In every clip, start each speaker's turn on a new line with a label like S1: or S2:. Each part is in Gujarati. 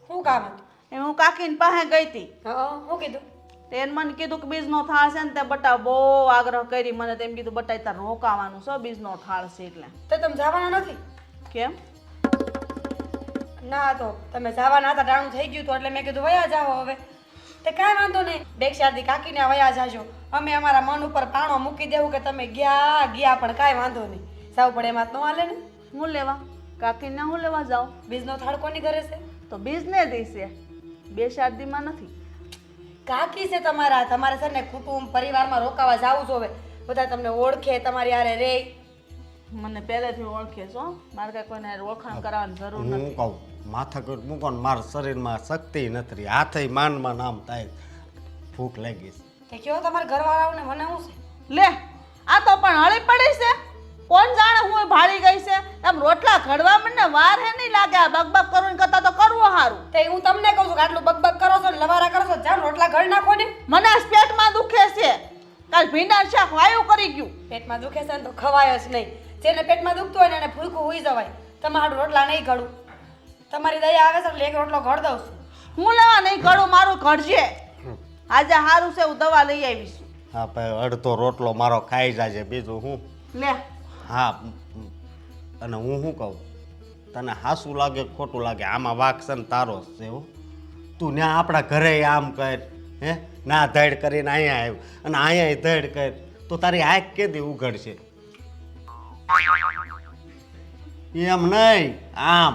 S1: શું કામ હતું?
S2: એમ હું કાકીને પાસે ગઈ હતી.
S1: હા, શું કીધું?
S2: તેને મને કીધું કે બીજનો થાળ છે ને તે બટા બહુ આગ્રહ કરી મને તેમ કીધું બટા તાર રોકાવાનું છે બીજનો થાળ છે એટલે.
S1: તો તમે જવાના નથી?
S2: કેમ?
S1: ના તો તમે જવાના હતા, ટાણું થઈ ગયું હતું એટલે મેં કીધું વયા જાઓ હવે. તે કાંઈ વાંધો નહીં, બેક્ષાદી કાકીને વયા જાજો. અમે અમારા મન ઉપર પાણો મૂકી દેવું કે તમે ગયા પણ કાંઈ વાંધો નહીં. સાવ પડે એમાં તો ન હાલે ને.
S2: હું લેવા કાકીને હું લેવા જાઉં?
S1: બીજનો થાળ કોની ઘરે છે?
S2: તો બીજને દઈશે, બે શાદીમાં નથી.
S1: કાકી છે તમારા, તમારે છે ને કુટુંબ પરિવારમાં રોકાવા જાવું જોવે. બધા તમને ઓળખે, તમારી હારે રે.
S2: મને પહેલેથી ઓળખે છો, મારે કાંઈ કોઈને હારે ઓળખાણ કરાવવાની જરૂર
S3: હું
S2: નથી.
S3: કહું માથાકૂટ મૂકો ને મારા શરીરમાં શક્તિ નથી રહી, હાથે માનમાં નામ થાય, ભૂખ લાગી છે.
S1: તે કયો તમારા ઘરવાળાઓને મને શું છે?
S2: લે આ તો પણ હળી પડી છે. કોણ જાણે હું ભાળી ગઈ છે. એમ રોટલા ઘડવા મને વાર હે નહીં લાગે. આ બકબક કરું કરતા તો કરવું સારું.
S1: તે હું તમને કહું છું કે આટલું બકબક કરો છો ને લવારા કરો છો, જાઓ રોટલા ઘડ નાખો ને.
S2: મને આજ પેટમાં દુખે છે. કાલ ભીંડા શાક વાયુ કરી ગયું.
S1: પેટમાં દુખે છે ને તો ખવાય જ નહીં. જેને પેટમાં દુખતું હોય ને એને ભૂખું હોઈ જવાય. તમારું રોટલા નહીં ઘડું. તમારી દયા આવે છે એટલે એક રોટલો ઘડ દઉં છું.
S2: હું લેવા નહીં ઘડું, મારું ઘડજે. આજે સારું છે હું દવા લઈ આવીશ.
S3: હા ભાઈ અડધો રોટલો મારો ખાઈ જાય બીજું હું.
S2: લે
S3: હા અને હું શું કહું તને હાસું લાગે ખોટું લાગે આમાં વાક છે ને તારો જ છે હો. તું ત્યાં આપણા ઘરે આમ કર હે ના ધડ કરીને અહીંયા આવ્યું અને અહીંયા ધડ કર તો તારી આંખ કેદી ઉઘડશે? એમ નહીં આમ.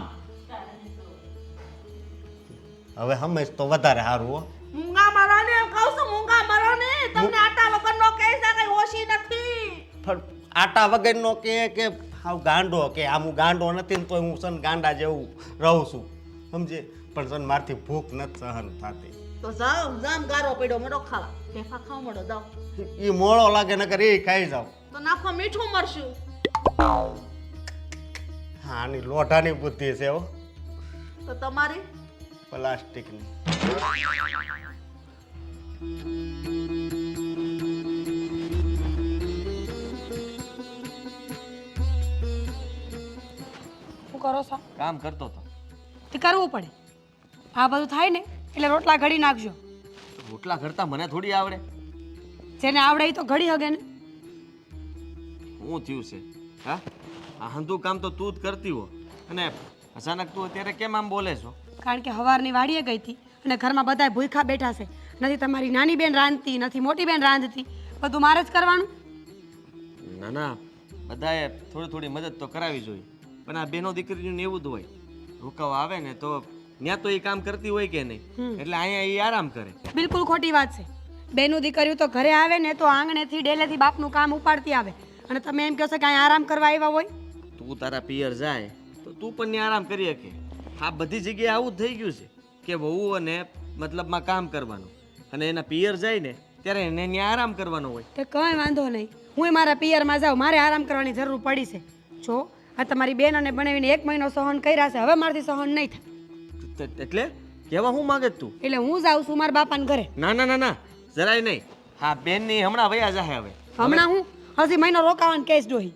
S3: હવે સમજ તો વધારે સારું હો.
S2: મૂંગા મારો ને એમ કહું છું, મૂંગા મારો ને. તમને આટા વગરનો કહે છે કઈ ઓછી નથી.
S3: પણ આટા વગરનો કે હાવ ગાંડો કે આમ હું ગાંડો નથી ને તોય હું સન ગાંડા જેવું રહું છું સમજે. પણ સન મારથી ભૂખ નથી સહન થતી.
S2: તો જાવ જામ ગારો પડ્યો મડો ખાવા. ફેફા ખાવ મડો દાવ.
S3: એ મોળો લાગે નકર એ ખાઈ જાવ.
S2: તો નાખો મીઠું મરશું.
S3: હા આની લોઢાની બુદ્ધિ છે હો,
S2: તો તમારી
S3: પ્લાસ્ટિકની.
S1: શું કરો છો?
S4: કામ કરતો હતો.
S1: તે કરવું પડે. આ બધું થાય ને એટલે રોટલા ઘડી નાખજો.
S4: રોટલા ઘડતા મને થોડી આવડે.
S1: જેને આવડે એ તો ઘડી હગે ને.
S4: શું થયું છે? હા આ હંધું કામ તો તું જ કરતી હો અને અચાનક તું અત્યારે કેમ આમ બોલે છો?
S1: કારણ કે હવારની વાડીએ ગઈ હતી અને ઘરમાં બધાય ભૂખ્યા બેઠા છે. નથી તમારી નાની બેન રાંધતી, નથી મોટી બેન રાંધતી, બધું મારે જ કરવાનું.
S4: ના ના બધાએ થોડી થોડી મદદ તો કરાવી જોઈએ, પણ આ બેનો દીકરીનું એવું જ હોય. રોકાવા આવે ને તો ત્યાં તો એ કામ કરતી હોય કે નહીં, એટલે અહીંયા એ આરામ કરે.
S1: બિલકુલ ખોટી વાત છે. બેનું દીકરીઓ તો ઘરે આવે ને તો આંગણેથી ડેલેથી બાપનું કામ ઉપાડતી આવે અને તમે એમ કહો છો કે અહીંયા આરામ કરવા આવ્યા હોય.
S4: તું તારા પિયર જાય તો તું પણ ત્યાં આરામ કરી શકે. આ બધી જગ્યાએ આવું જ થઈ ગયું છે કે વહુ અને મતલબમાં કામ કરવાનું અને એના પિયર જાય ને ત્યારે એને ત્યાં આરામ કરવાનો હોય.
S1: તો કંઈ વાંધો નહીં, હું મારા પિયરમાં જાઉં, મારે આરામ કરવાની જરૂર પડી છે. જો આ તમારી બેન અને બનાવીને 1 મહિનો સહન કર્યા છે, હવે મારાથી સહન નહીં થાય.
S4: એટલે કેવા હું માગે તું?
S1: એટલે હું જાઉં છું મારા બાપાને ઘરે.
S4: ના ના ના ના જરાય નહીં. હા બેનની હમણાં વયા જાહે હવે.
S1: હમણાં હું હજી મહિનો રોકાવાનું કેસ ડોહી.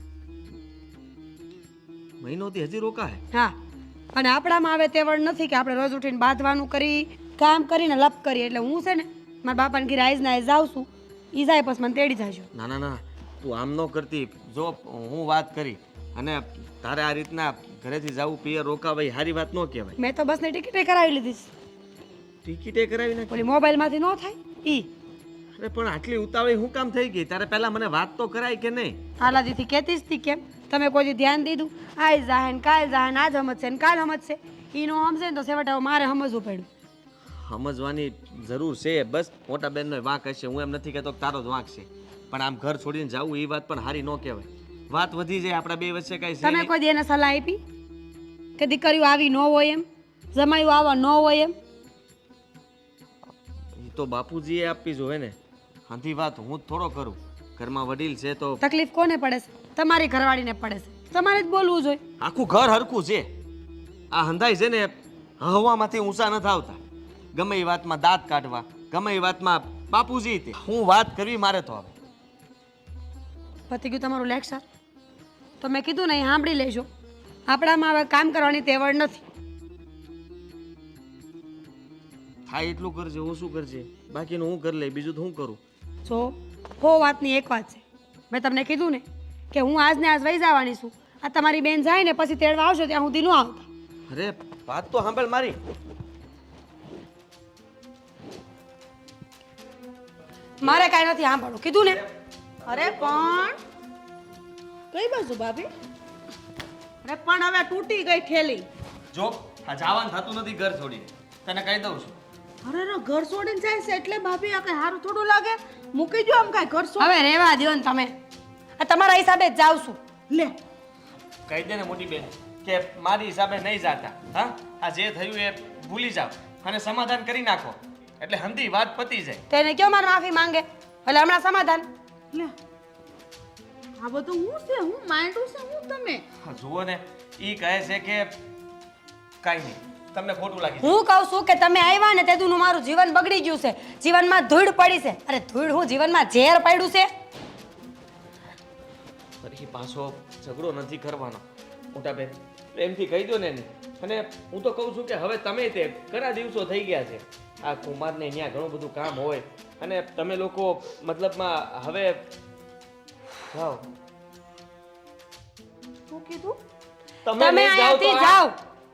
S4: મહિનોથી હજી રોકાય?
S1: હા અને આપણામાં હવે તેવડ નથી કે આપણે રોજ ઉઠીને બાંધવાનું કરી કામ કરીને લપ કરીએ. એટલે હું છે ને મારા બાપાને ઘરે આઈજ ના જાઉં છું, ઈ જાય પછી મને તેડી જાજો.
S4: ના ના ના તું આમ ન કરતી. જો હું વાત કરી અને તારે આ રીતના ઘરેથી જવું પિયર રોકાવાય સારી વાત ન કહેવાય.
S1: મેં તો બસની ટિકિટે કરાવી લીધી છે.
S4: ટિકિટે કરાવી નાખી?
S1: ઓલી મોબાઈલમાંથી ન થાય ઈ.
S4: અરે પણ આટલી ઉતાવળી હું કામ થઈ ગઈ? તારે પહેલા મને વાત તો કરાય કે નહીં?
S1: હાલાદીથી કહેતી જ હતી કેમ તમે કોઈ ધ્યાન દીધું? આઈ જાહે ને કાલ જાહે ને આજ સમજશે ને કાલ સમજશે. ઈ નો સમજે ને તો છેવટે મારે સમજવું પડ્યું.
S4: સમજવાની જરૂર છે. બસ મોટા બેનનો વાંક હશે, હું એમ નથી કહેતો કે તારો જ વાંક છે, પણ આમ ઘર છોડીને જવું એ વાત પણ સારી ન કહેવાય. વાત વધી જાય આપણા બે વચ્ચે કાંઈ છે
S1: તમે
S4: નહીં.
S1: કોઈ દી એને સલાહ આપી કે દીકરીઓ આવી ન હોય એમ, જમાયું આવા ન હોય એમ?
S4: એ તો બાપુજીએ આપવી જોઈએ ને. આથી વાત હું જ થોડો કરું. ઘરમાં વડીલ છે તો
S1: તકલીફ કોને પડે છે? તમારી ઘરવાળીને પડે છે. તમારે જ બોલવું જોઈએ.
S4: આખું ઘર હરખું છે. આ હંધાઈ છે ને હવામાંથી ઊંચા નથી આવતા. ગમે એ વાતમાં દાંત કાઢવા, ગમે એ વાતમાં બાપુજી તે હું વાત કરવી મારે તો હવે.
S1: પતી ગયું તમારું લેક્ચર? તો મેં કીધું ને એ સાંભળી લેજો. આપણામાં હવે કામ કરવાની તેવડ નથી.
S4: થાય એટલું કરજે, ઓછું કરજે, બાકીનું હું કરી લઈ, બીજું તો હું કરું.
S1: જો હો વાતની એક વાત છે, મેં તમને કીધું ને કે હું આજને આજ વહી જવાની છું. આ તમારી બેન જાય ને પછી તેડવા આવશો ત્યાં સુધી ન આવતા.
S4: અરે વાત તો સાંભળ મારી.
S1: મારે કાંઈ નથી સાંભળવું, કીધું ને.
S2: અરે પણ કઈ બાજુ ભાભી? અરે પણ હવે તૂટી ગઈ થેલી.
S4: જો આ જવાનું થતું નથી ઘર છોડીને, તને કહી દઉં છું.
S2: અરે રે ઘર છોડીને જાય છે એટલે ભાભી આ કઈ સારું થોડું લાગે? મૂકી જો આમ કાંઈ ઘર છોડ.
S1: હવે રહેવા દ્યો ને તમે, આ તમારા હિસાબે જ જાઉં છું.
S2: લે
S4: કહી દે ને મોટી બેન કે મારી હિસાબે નહીં જાતા. હા, આ જે થયું એ ભૂલી જાઓ અને સમાધાન કરી નાખો, એટલે હંધી વાત પતી જાય.
S1: તેને કયો મારે માફી માંગે, એટલે હમણાં સમાધાન.
S2: લે આ બધું હું છે, હું માંડું છે હું તમે?
S4: હા, જુઓ ને, ઈ કહે છે કે કાંઈ નહીં, તમને ખોટું લાગી.
S1: હું કહું છું કે તમે આવ્યા ને તેદુનું મારું જીવન બગડી ગયું છે, જીવનમાં ધૂળ પડી છે. અરે ધૂળ હું જીવનમાં ઝેર પડ્યું છે.
S4: ફરી પાછો ઝઘડો નથી કરવાનો મોટા બેન, પ્રેમથી કહી દો ને એને. અને હું તો કહું છું કે હવે તમે તે ઘણા દિવસો થઈ ગયા છે, આ કુમારને ત્યાં ઘણું બધું કામ હોય અને તમે લોકો મતલબમાં હવે જાઓ.
S2: શું કીધું?
S1: તમે
S4: નહીં જાઓ તો
S1: અહીંયાથી
S4: આ-
S1: જાઓ.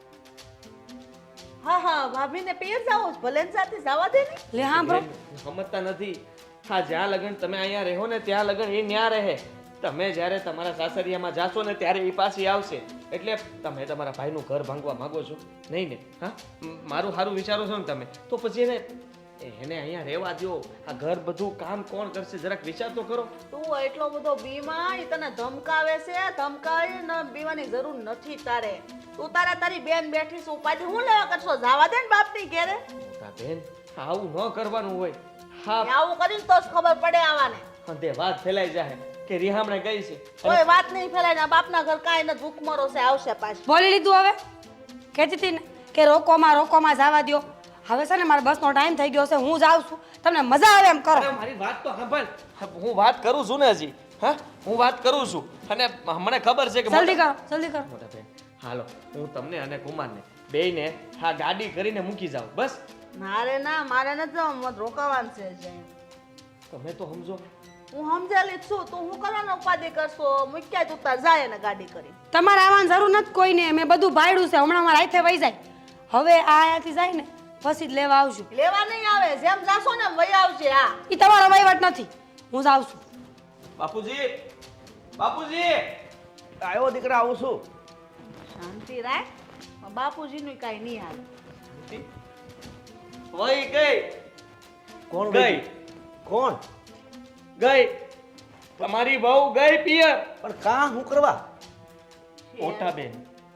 S2: હા હા ભાભીને પિયર જાઓ છો, ભલે ને સાથે જવા દે ને.
S1: લે હા બ્રો,
S4: સમજતા નથી. હા, જ્યાં લગન તમે અહીંયા રહો ને ત્યાં લગન એ ન્યા રહે. તમે જ્યારે તમારા સાસરિયામાં જાશો ને ત્યારે એ પાછી આવશે. એટલે તમે તમારા ભાઈનું ઘર ભાંગવા માંગો છો નહીં ને? હા, મારું સારું વિચારો છો ને તમે, તો પછી એને અહીંયા રહેવા દો. આ ઘર બધું કામ કોણ કરશે જરાક વિચાર તો કરો.
S2: તું એટલો બધો બીમા ઈ તને ધમકાવે છે, ધમકાવી ન બીવાની જરૂર નથી તારે. તું તારી બેન બેઠી છે, ઉપાધિ હું લેવા કરશો? જવા દે ને બાપની ઘેરે.
S4: મોટા બેન, આવું ન કરવાનું હોય. હા,
S2: આવું કરીને તો જ ખબર પડે આવાને.
S4: તે વાત ફેલાઈ જાય કે રિહામણે ગઈ છે.
S2: કોઈ વાત નહીં ફેલાય ને બાપના ઘર કાંઈ ન ભૂખમરો છે, આવશે પાછી.
S1: બોલી લીધું. હવે કહેતી હતી ને કે રોકોમાં જવા દ્યો. હવે છે ને મારા બસનો ટાઈમ થઈ ગયો છે, હું જાઉં છું. તમને મજા આવે એમ કરો.
S4: અરે મારી વાત તો સાંભળ. હું વાત કરું છું ને હજી. હા, હું વાત કરું છું અને મને ખબર છે કે
S1: જલ્દી કરો, જલ્દી કરો.
S4: મોટા બેન, હાલો, હું તમને અને કુમારને બેયને હા ગાડી કરીને મૂકી જાઉં બસ.
S2: મારે નથી જવાનું, મત રોકાવાનું છે હજી.
S4: તમે તો સમજો.
S2: હું સમજેલી જ છું, તું હું કરવાનો ઉપાધિ કરશો? મૂક્યા તું તાર જાય ને ગાડી કરી.
S1: તમારે આવવાની જરૂર નથી કોઈને, મેં બધું ભાડ્યું છે. હમણાં મારા હાથે વહી જાય. હવે આ અહીંયાથી જાય ને પછી જ લેવા આવશું.
S2: લેવા નહીં આવે, જેમ જાશો ને એમ વહી આવશે. હા
S1: એ તમારો વહીવટ નથી, હું જાઉં છું.
S4: બાપુજી, બાપુજી,
S5: આવ્યો દીકરા, આવું છું.
S2: શાંતિ રાખ, બાપુજીનું કાંઈ નહીં હાલે.
S4: વહી ગઈ.
S5: કોણ
S4: ગઈ
S5: કોણ?
S4: ગઈ તમારી બહુ ગઈ પિયર.
S5: પણ કાં હું કરવા?
S4: મોટા બેન,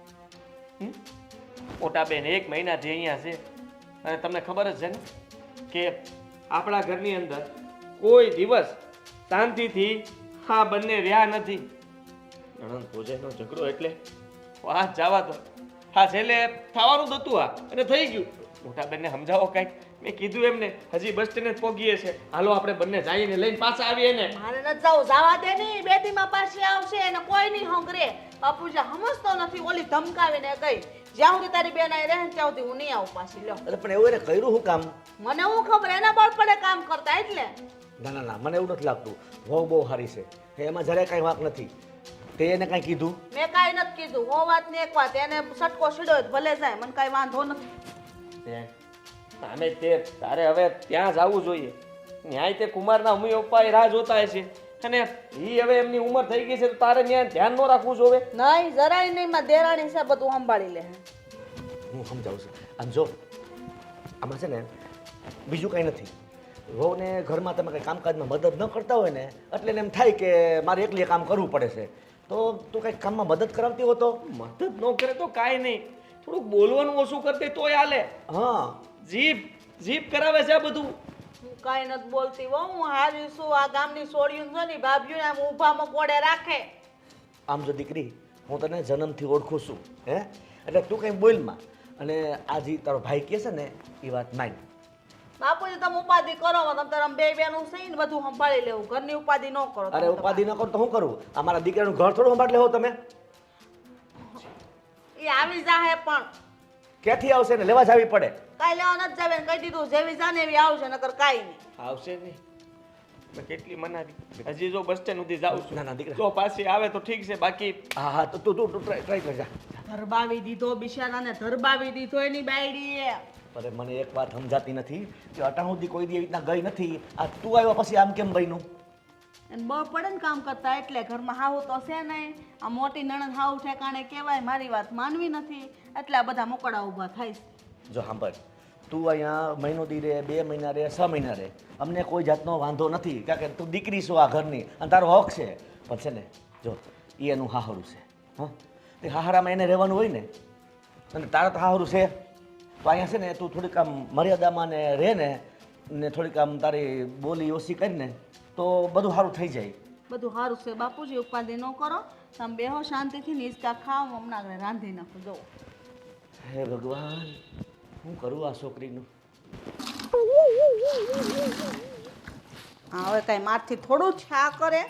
S4: મોટા બેન 1 મહિનાથી અહીંયા છે અને તમને ખબર જ છે ને કે આપણા ઘરની અંદર કોઈ દિવસ શાંતિથી આ બંને રહ્યા નથી. નણંદ ભોજાઈનો ઝઘડો એટલે વાત જવા દો. હા, છેલ્લે થવાનું જ હતું આ અને થઈ ગયું. મોટા બેનને સમજાવો કાંઈક. મેં કીધું એમને હજી બસ સ્ટેન્ડ જ પહોંચીએ છે, હાલો આપણે બંને જઈને લઈને પાછા આવીએ ને.
S2: મારે નથી જવું, જવા દે નહીં. બે દીમાં પાછી આવશે એને કોઈ નહીં હંગરે. બાપુજી સમજતો નથી, ઓલી ધમકાવીને ગઈ. જ્યાં સુધી તારી બેન આવી રહે ને ત્યાં સુધી હું નહીં આવું પાછી. લ્યો,
S5: અરે પણ એવું એને કર્યું શું કામ?
S2: મને હું ખબર, એના બળ પડે કામ કરતા એટલે.
S5: ના ના ના, મને એવું નથી લાગતું. વહુ બહુ સારી છે, એમાં જરાય કાંઈ વાંક નથી. તે એને કાંઈ કીધું?
S2: મેં કાંઈ નથી કીધું. હો વાત ને એક વાત, એને સટકો સીડ્યો ભલે જાય, મને કાંઈ વાંધો નથી.
S4: આમે તે તારે હવે ત્યાં જવું જોઈએ. ન્યાય તે કુમારના મમ્મી પપ્પા રાહ જોતા હશે અને ઈ હવે એમની ઉંમર થઈ ગઈ છે તો તારે ત્યાં ધ્યાન ન રાખવું જોવે.
S2: નહીં, જરાય નહીં. માં દેરાણી છે, બધું સંભાળી લે.
S5: હું સમજાવું છું. આમ જો, આમાં છે ને બીજું કાંઈ નથી. વહુને ઘરમાં તમે કંઈ કામકાજમાં મદદ ન કરતા હોય ને એટલે એને એમ થાય કે મારે એકલી કામ કરવું પડે છે. તો તું કંઈક કામમાં મદદ કરાવતી હો તો?
S4: મદદ ન કરે તો કાંઈ નહીં, થોડુંક બોલવાનું ઓછું કરતી તોય હાલે.
S5: હા,
S4: જીભ કરાવે છે આ બધું.
S2: હું કાંઈ નથી બોલતી હો. હું હારી છું. આ ગામની સોળીયું છે ને ભાભીઓને આમ ઊભામાં કોડે રાખે.
S5: આમ જો દીકરી, હું તને જન્મથી ઓળખું છું, હે? એટલે તું કંઈ બોલમાં. અને આ જે તારો ભાઈ કહે છે ને એ વાત માન.
S2: બાપુજી તમે ઉપાધિ કરો, તમે તારા બે બેનું છે ને બધું સંભાળી લેવું. ઘરની ઉપાધિ ન કરો.
S5: અરે ઉપાધિ ન કરું તો શું કરું? અમારા દીકરાનું ઘર થોડું સંભાળ લેવો તમે?
S2: એ આવી જાહે પણ
S5: ક્યાંથી આવશે ને લેવા જાવી પડે.
S2: કાંઈ લેવા નથી જાવે ને કહી દીધું જેવી જાને એવી આવશે નકર કાંઈ નહીં.
S4: આવશે નહીં. મેં કેટલી મનાવી. હજી જો બસ સ્ટેન્ડ સુધી જાઉં છું.
S5: ના, ના, દીકરા.
S4: જો પાછી આવે તો ઠીક છે, બાકી
S5: હા હા તો તું ટ્રાય કરજા.
S2: ધરબાવી દીધો બિચારાને, ધરબાવી દીધો એની બાયડીએ.
S5: અરે મને એક વાત સમજાતી નથી કે અટાણ સુધી કોઈ દી એવી રીતના ગઈ નથી. આ તું આવ્યો પછી આમ કેમ બન્યું?
S2: એને બળ પડે ને કામ કરતા એટલે ઘરમાં હાવ તો છે નહીં. આ મોટી નણંદ હાવ ઠેકાણે કહેવાય, મારી વાત માનવી નથી એટલે આ બધા મોકળા ઊભા થાય છે.
S5: જો સાંભળ, તું અહીંયા મહિનો દી રે, 2 મહિના રે, 6 મહિના રે, અમને કોઈ જાતનો વાંધો નથી, કારણ કે તું દીકરી છો આ ઘરની અને તારો હક છે. પણ છે ને જો એ એનું હાહરું છે. હા, તે હાહરામાં એને રહેવાનું હોય ને, અને તારા તો હાહરું છે તો અહીંયા છે ને તું થોડીક આમ મર્યાદામાં ને રહે ને થોડીક આમ તારી બોલી ઓછી કરીને તો બધું સારું થઈ જાય.
S2: બધું સારું છે બાપુજી, ઉપાધિ ન કરો. તમે બેહો શાંતિથી નિસ્કા ખાઓ, હમણાં આગળ રાંધી નાખો. જો
S5: હે ભગવાન, શું કરું આ છોકરીનું?
S2: હા હવે કાંઈ મારથી થોડું છા કરે.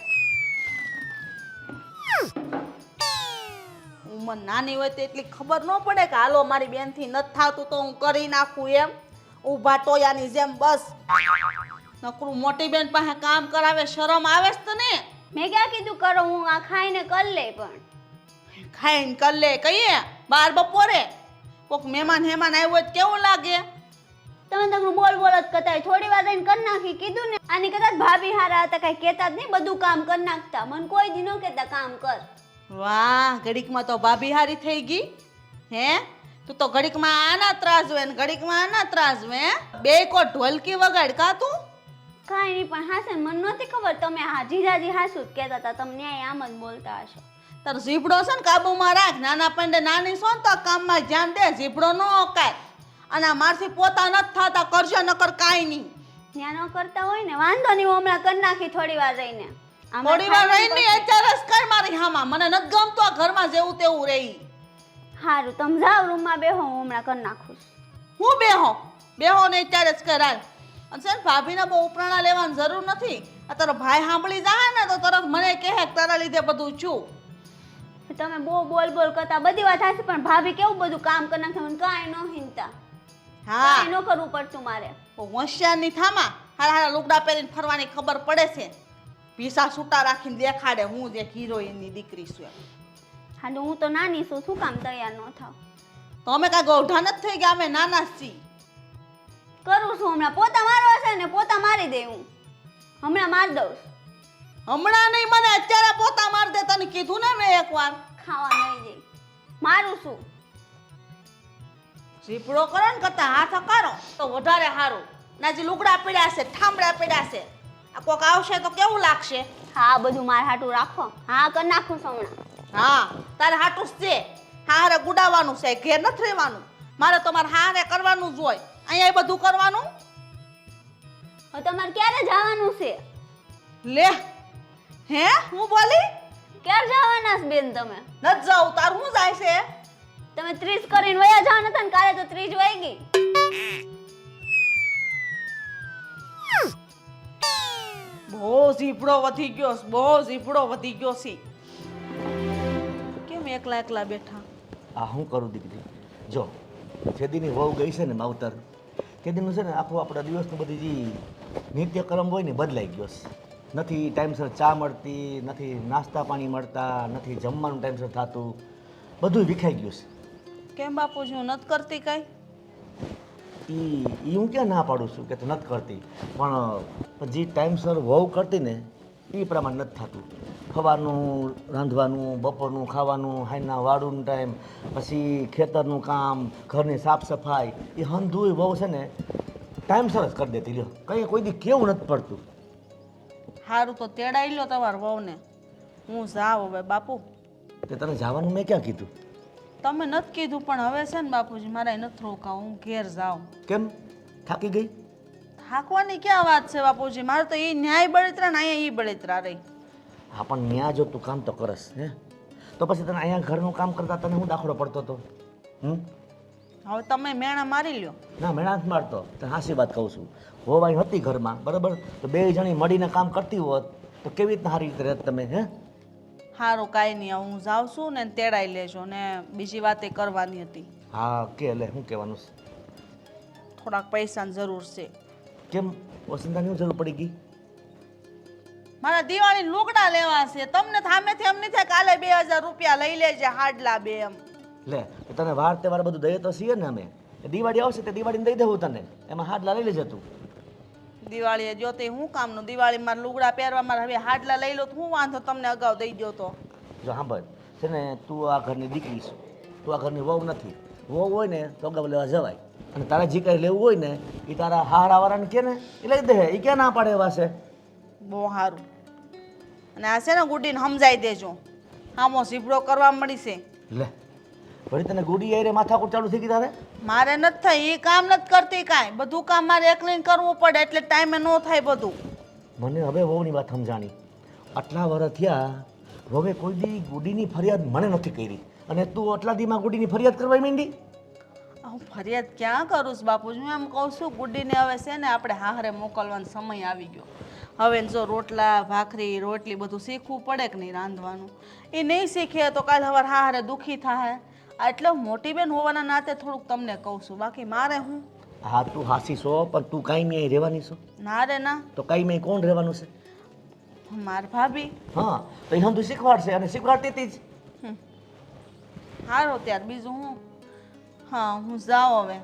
S2: ઉંમર નાની હોય તો એટલી ખબર ન પડે કે હાલો મારી બેનથી નથી થાતું તો હું કરી નાખું એમ. ઊભા ટોયાની જેમ બસ નકરું મોટી બેન પાસે કામ કરાવે, શરમ આવે છે તને?
S6: મેં ક્યાં કીધું કરો, હું આ ખાઈને કરી લે. પણ
S2: ખાઈને કર લે કહીએ બાર બપોરે કોક મહેમાન આવ્યો હોય તો કેવું લાગે?
S6: તમે તકરું બોલ બોલ જ કરતા હોય. થોડી વાર રહીને કરી નાખી કીધું ને. આની કદાચ ભાભી હારા હતા, કઈ કહેતા જ નહીં, બધું કામ કરી નાખતા. મને કોઈ દી ન કહેતા કામ કર.
S2: વાહ, ઘડીકમાં તો ભાભી હારી થઈ ગઈ. હે તું તો ઘડીકમાં આના ત્રાસ હોય ને ઘડીકમાં આના ત્રાસ હોય. બે કો ઢોલકી વગાડ કા તું?
S6: કાંઈ નહીં, પણ હાસે મને નહોતી ખબર તમે હા જીજાજી હાસું જ કહેતા હતા. તમે ન્યાય આમ જ બોલતા હશો.
S2: તાર જીભડો છે ને કાબુમાં રાખ. નાના પંડે નાની છો ને તો કામમાં ધ્યાન દે, જીભડો ન ઓકાય. અને આ મારથી પોતા નથી થતા, કરજો નકર કાંઈ નહીં.
S6: ત્યાં ન કરતા હોય ને વાંધો નહીં, હું હમણાં કરી નાખી થોડી વાર રહીને. આમાં
S2: થોડી વાર
S6: ખાવાનું
S2: રહીને અત્યારે જ કર મારી હામાં. મને નથી ગમતું આ ઘરમાં જેવું તેવું રહી.
S6: સારું, તમે જાઓ રૂમમાં બેહો, હું હમણાં કરી નાખું છું.
S2: હું બેહો ને અત્યારે જ કરાય. અને છે ને ભાભીને બહુ ઉપરાણા લેવાની જરૂર નથી. આ તારો ભાઈ સાંભળી જાય ને તો તરત મને કહે કે તારા લીધે બધું છું.
S6: તમે બહુ બોલ બોલ કરતા બધી વાત હાચી, પણ ભાભી કેવું બધું કામ કરી નાખે, મને કાંઈ ન હિંતા.
S2: હા
S6: કાંઈ ન કરવું પડતું મારે.
S2: હોશિયારની થામા હારા હારા લુગડા પહેરીને ફરવાની ખબર પડે છે. પીસા છૂટા રાખીને દેખાડે હું જે હિરોઈનની દીકરી છું એમ.
S6: હા તો હું તો નાની છું, શું કામ તૈયાર ન થાવ?
S2: તો અમે કાંઈ ગૌઢા નથી થઈ ગયા, અમે નાના જ છીએ.
S6: કરું છું હમણાં. પોતા મારવા છે ને પોતા મારી દે હું હમણાં માર દઉં.
S2: હમણાં નહીં, મને અત્યારે પોતા માર દે. તને કીધું ને મેં એકવાર.
S6: ખાવા નહીં જઈ મારું છું.
S2: ઝીપડો કરો ને કરતા હાથ કરો તો વધારે સારું. ના જે લુગડા પીડ્યા છે, ઠામડા પીડ્યા છે, આ કોક આવશે તો કેવું લાગશે?
S6: હા બધું મારે હાટું રાખો. હા કરી નાખું છું હમણાં.
S2: હા તારે હાટું જ છે. હારે ગુડાવવાનું છે, ઘેર નથી રહેવાનું. મારે તો મારે હારે કરવાનું જ હોય. અહીંયા બધું કરવાનું.
S6: હવે તમારે ક્યારે જવાનું છે?
S2: લે હે હું બોલી
S6: ક્યારે જવાના છે બેન તમે?
S2: નથી જાઉં. તાર હું જાય છે?
S6: તમે 30 કરીને વયા જવાના હતા ને, કાલે તો 30 વાઈ ગઈ.
S2: બહુ ઝીપડો વધી ગયો છે, બહુ ઝીપડો વધી ગયો છે. કેમ એકલા એકલા બેઠા?
S5: આ શું કરું દીકરી? જો જેદીની વહુ ગઈ છે ને માવતર, તેદીનું છે ને આખું આપણા દિવસનું બધી જે નિત્યક્રમ હોય ને બદલાઈ ગયો છે. નથી ટાઈમસર ચા મળતી, નથી નાસ્તા પાણી મળતા, નથી જમવાનું ટાઈમસર થતું, બધું વિખાઈ ગયું છે.
S2: કેમ બાપુજી હું નથી કરતી કાંઈ?
S5: એ હું ક્યાં ના પાડું છું કે તું નથી કરતી, પણ જે ટાઈમસર વહુ કરતી ને એ પ્રમાણે નથી થતું. સવારનું રાંધવાનું, બપોરનું ખાવાનું, હાઈના વાળુનું ટાઈમ, પછી ખેતરનું કામ, ઘરની સાફ સફાઈ, એ હંધુય વહુ છે ને ટાઈમસર જ કરી દેતી. લ્યો કંઈ કોઈ દી કેવું નથી પડતું.
S2: સારું તો તેડાઈ લો તમારા વહુને. હું જાઉં હવે બાપુ.
S5: તે તને જવાનું મેં ક્યાં કીધું?
S2: તમે નથી કીધું પણ હવે છે ને બાપુજી મારે નથી રોકાવું, હું ઘેર જાઉં.
S5: કેમ થાકી ગઈ?
S2: થાકવાની ક્યાં વાત છે બાપુજી? મારે તો એ ન્યાય બળતરા ને અહીંયા એ બળતરા રહી.
S5: હા પણ ત્યાં જો તું કામ તો કરસ હે, તો પછી તને અહીંયા ઘરનું કામ કરતા તને હું દાખલો પડતો હતો?
S2: હવે તમે મેણા મારી લ્યો.
S5: ના મેળા જ મારતો. તને હાસી વાત કહું છું. હોવાઈ હતી ઘરમાં બરાબર, તો બે જણી મળીને કામ કરતી હોત તો કેવી રીતના સારી રીતે રહેત તમે? હે
S2: સારું કાંઈ નહીં, હું જાઉં છું ને તેડાઈ લેજો. ને બીજી વાત એ કરવાની હતી.
S5: હા કે લે શું કહેવાનું છે?
S2: થોડાક પૈસાની જરૂર છે.
S5: કેમ વસંતાની શું જરૂર પડી ગઈ?
S2: મારા દિવાળી લુગડા લેવા છે. તમને થામેથી એમ નહીં થાય કાલે 2000 રૂપિયા લઈ લેજે હાડલા બે એમ.
S5: લે તો તને વાર તહેવાર બધું દઈએ તો છીએ ને અમે. દિવાળી આવશે તે દિવાળીને દઈ દેવું તને, એમાં હાડલા લઈ લેજે તું.
S2: દિવાળીએ જો તે હું કામનું? દિવાળી મારા લુગડા પહેરવા મારા હવે હાડલા લઈ લો તો હું વાંધો, તમને અગાઉ દઈ દો તો.
S5: જો સાંભળ છે ને, તું આ ઘરની દીકરી છે, તું આ ઘરની વહુ નથી. વહુ હોય ને તો અગાઉ લેવા જવાય. અને તારે જે કંઈ લેવું હોય ને એ તારા હારાવાળાને કે ને એ લઈ દે. એ ક્યાં ના પાડે એવા છે?
S2: બહુ સારું. અને આ છે ને ગુડીને સમજાઈ દેજો, હામો ઝીબડો કરવા મળી છે.
S5: લે વળી તને ગુડી આયરે માથાકૂટ ચાલુ થઈ ગઈ તારે?
S2: મારે નથી થઈ, એ કામ નથી કરતી કાંઈ. બધું કામ મારે એકલીને કરવું પડે એટલે ટાઈમે ન થાય બધું.
S5: મને હવે વહુની વાત સમજાણી. આટલા વર્ષ થયા હવે કોઈ દી ગુડીની ફરિયાદ મને નથી કરી, અને તું આટલા દીમાં ગુડીની ફરિયાદ કરવા માંડી?
S2: હું ફરિયાદ ક્યાં કરું છું બાપુજી? હું એમ કહું છું ગુડીને હવે છે ને આપણે હાહરે મોકલવાનો સમય આવી ગયો. હવે જો રોટલા ભાખરી રોટલી બધું શીખવું પડે કે નહીં રાંધવાનું. એ નહીં શીખે તો કાલે સવાર હાહરે દુઃખી થાય. એટલે મોટી બેન હોવાના નાતે થોડુંક તમને કહું છું, બાકી મારે હું.
S5: હા તું હાસી છો, પણ તું કાંઈ અહીં રહેવાની છો?
S2: ના રે ના.
S5: તો કાંઈ મેં કોણ રહેવાનું છે?
S2: માર ભાભી.
S5: હા તો એ તું શીખવાડશે અને શીખવાડતી હતી જ.
S2: હારો ત્યાર બીજું હું. હા હું જાઉં હવે.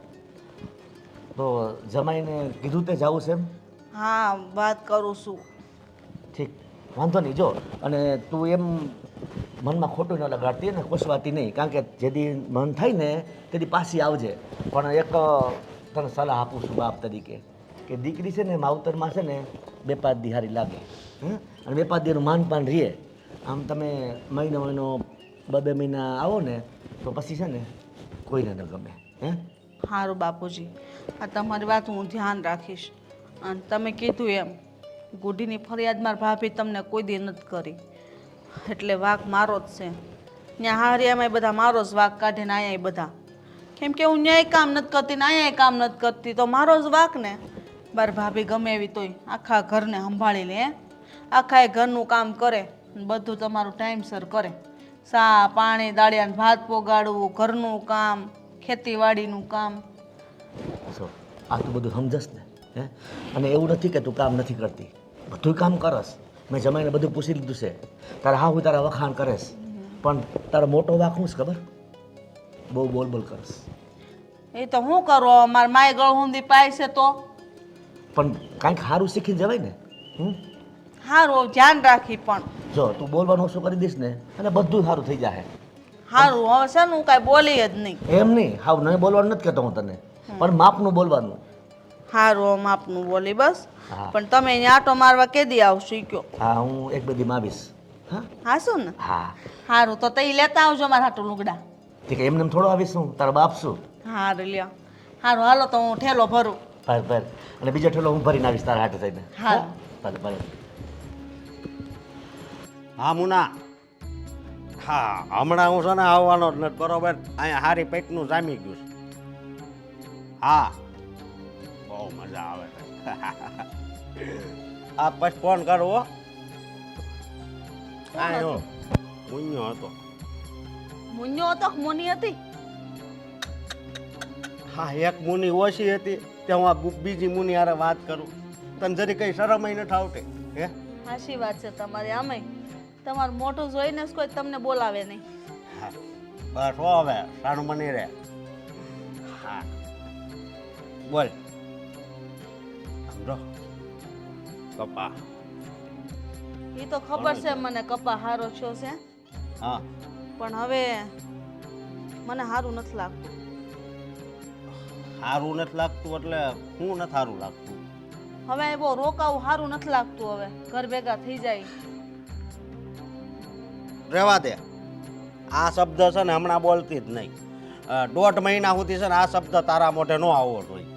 S5: તો જમાઈને કીધું તે જવું છે એમ?
S2: હા વાત કરું છું.
S5: ઠીક, વાંધો નહીં. જો અને તું એમ મનમાં ખોટું ન લગાડતી ને ખુશવાતી નહીં, કારણ કે જેથી મન થાય ને તેથી પાછી આવજે. પણ એક તને સલાહ આપું છું બાપ તરીકે, કે દીકરી છે ને માવતરમાં છે ને 2-5 દી હારી લાગે. અને 2-5 દીનું માનપાન રહે. આમ તમે મહિનો 2-2 મહિના આવો ને તો પછી છે ને કોઈને ન ગમે.
S2: સારું બાપુજી, આ તમારી વાત હું ધ્યાન રાખીશ. અને તમે કીધું એમ ગુડીની ફરિયાદ માર ભાભી તમને કોઈ દી નથી કરી, એટલે વાંક મારો જ છે. ત્યાં હારિયામાં બધા મારો જ વાંક કાઢે ને અહીંયા બધા, કેમ કે હું ન્યાય કામ નથી કરતી ને અહીંયા કામ નથી કરતી, તો મારો જ વાંક ને. માર ભાભી ગમે એવી તોય આખા ઘરને સંભાળી લે. આખા એ ઘરનું કામ કરે, બધું તમારું ટાઈમસર કરે. સા પાણી દાળિયા ભાત પોગાડવું, ઘરનું કામ, ખેતીવાડીનું કામ.
S5: સો આ તું બધું સમજસ ને? અને એવું નથી કે તું કામ નથી કરતી, બધું કામ કરસ. મેં જમાઈને બધું પૂછી લીધું છે. તારા હા હું તારા વખાણ કરેશ, પણ તારો મોટો વાંક શું છે ખબર? બહુ બોલ બોલ કરસ.
S2: એ તો હું કરું, મારા માય ગળ ઊંધી પાય છે તો.
S5: પણ કાંઈક સારું શીખીને જવાય ને.
S2: સારું ધ્યાન રાખી. પણ
S5: જો તું બોલવાનું ઓછું કરી દઈશ ને એટલે બધું સારું થઈ જાય.
S2: સારું હવે છે ને હું કાંઈ બોલી જ નહીં.
S5: એમ નહીં, હાવ નહીં બોલવાનું નથી કહેતો હું તને, પણ માપનું બોલવાનું.
S2: સારું માપનું બોલી બસ.
S5: હા.
S2: પણ તમે અહીંયા આટો મારવા કેદી આવશો ઈ કયો?
S5: હા હું 1-2 દીમાં આવીશ. હા
S2: હા શું ને?
S5: હા
S2: સારું તો તઈ લેતા આવજો મારા હાટું લુગડા.
S5: ઠીક, એમને એમ થોડો આવીશ હું, તારા બાપ શું?
S2: સારું લ્યો. સારું હાલો તો હું ઠેલો ભરું.
S5: ભર અને બીજો ઠેલો હું ભરીને આવીશ તારા હાટે થઈને.
S2: હા.
S5: ભલે.
S3: હા મુના, હા હમણાં હું છે ને આવવાનો જ નથી, બરોબર? અહીંયા હારી પેટનું જામી ગયું છે. હા બહુ મજા આવે છે. આ પછી ફોન કરવો. કાંઈ હો મુન્યો હતો.
S2: મુન્યો હતો કે મોની હતી?
S3: હા એક મુની ઓછી હતી ત્યાં હું આ બીજી મુની હારે વાત કરું. તને જરી કઈ શરમ નથી આવતી? હે
S2: સાચી વાત છે તમારી. આમે તમારું મોટું જોઈને જ કોઈ તમને બોલાવે નહીં.
S3: હા બસ હો હવે સારું બની રહે. હા બોલ. સમજો કપા.
S2: એ તો ખબર છે મને કપા હારો છો છે,
S3: હા
S2: પણ હવે મને સારું નથી લાગતું.
S3: સારું નથી લાગતું એટલે હું નથી સારું લાગતું?
S2: હવે બહુ રોકાવું સારું નથી લાગતું. હવે ઘર ભેગા થઈ જાય.
S3: રહેવા દે. આ શબ્દ છે ને હમણાં બોલતી જ નહીં. 1.5 મહિના સુધી છે ને આ શબ્દ તારા મોઢે ન આવવો જોઈએ.